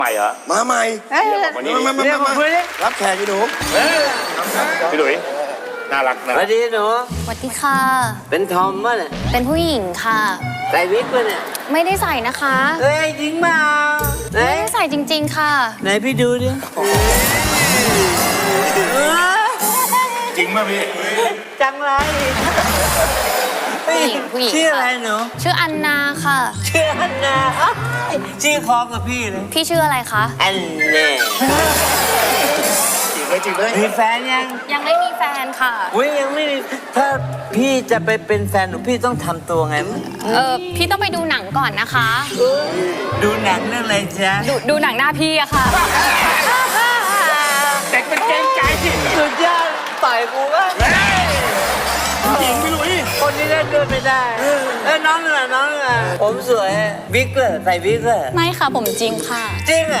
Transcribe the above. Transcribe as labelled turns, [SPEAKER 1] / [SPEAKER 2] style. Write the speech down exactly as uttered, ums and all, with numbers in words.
[SPEAKER 1] ใหม่เหรอ
[SPEAKER 2] มาใหม่
[SPEAKER 1] วันนี้
[SPEAKER 2] มามามา
[SPEAKER 3] เรียก
[SPEAKER 2] มา
[SPEAKER 3] มาคุยดิ
[SPEAKER 2] รับแขกอยู่หนู
[SPEAKER 1] พี่หลุยน่ารักนะ
[SPEAKER 3] สวัสดีหนู
[SPEAKER 4] สวัสดีค่ะ
[SPEAKER 3] เป็นทอมป่ะเนี่ย
[SPEAKER 4] เป็นผู้หญิงค่ะ
[SPEAKER 3] ใส่วิกป่ะเนี่ย
[SPEAKER 4] ไม่ได้ใส่นะคะ
[SPEAKER 3] เฮ้ยจริงเปล่าไหน
[SPEAKER 4] ไม่ได้ใส่จริง ๆ ค่ะ
[SPEAKER 3] ไหนพี่ดูดิ
[SPEAKER 1] จริงป่ะพี่
[SPEAKER 3] จังไร
[SPEAKER 4] ผู้หญิงผู้หญิง
[SPEAKER 3] ชื่ออะไร
[SPEAKER 4] ค่ะ
[SPEAKER 3] หนู
[SPEAKER 4] ชื่ออันนาค่ะ
[SPEAKER 3] ชื่ออันนาชื่อคล้องกับพี่เลย
[SPEAKER 4] พี่ชื่ออะไรคะ
[SPEAKER 3] อันเน่
[SPEAKER 1] จริงเลยจริงเลย
[SPEAKER 3] มีแฟนยัง
[SPEAKER 4] ยังไม่มีแฟนค่ะ
[SPEAKER 3] อุ้ยยังไม่มีถ้าพี่จะไปเป็นแฟนหนูพี่ต้องทำตัวไง
[SPEAKER 4] เออพี่ต้องไปดูหนังก่อนนะคะ
[SPEAKER 3] ดูหนังเรื่องอะไรจ๊ะ
[SPEAKER 4] ดูดูหนังหน้าพี่อะค่ะ
[SPEAKER 1] เด็กเป็นเกรงใจสิ
[SPEAKER 3] สุดยอดต่อยกูก็
[SPEAKER 1] จริงพี่หลุย
[SPEAKER 3] คนนี้เล่นด้วยไม่ได้เอ้ยน้องเหนือน้องเหนือผมสวยวิกเลยใส่วิกเลย
[SPEAKER 4] ไม่ค่ะผมจริงค่ะ
[SPEAKER 3] จริงเหรอ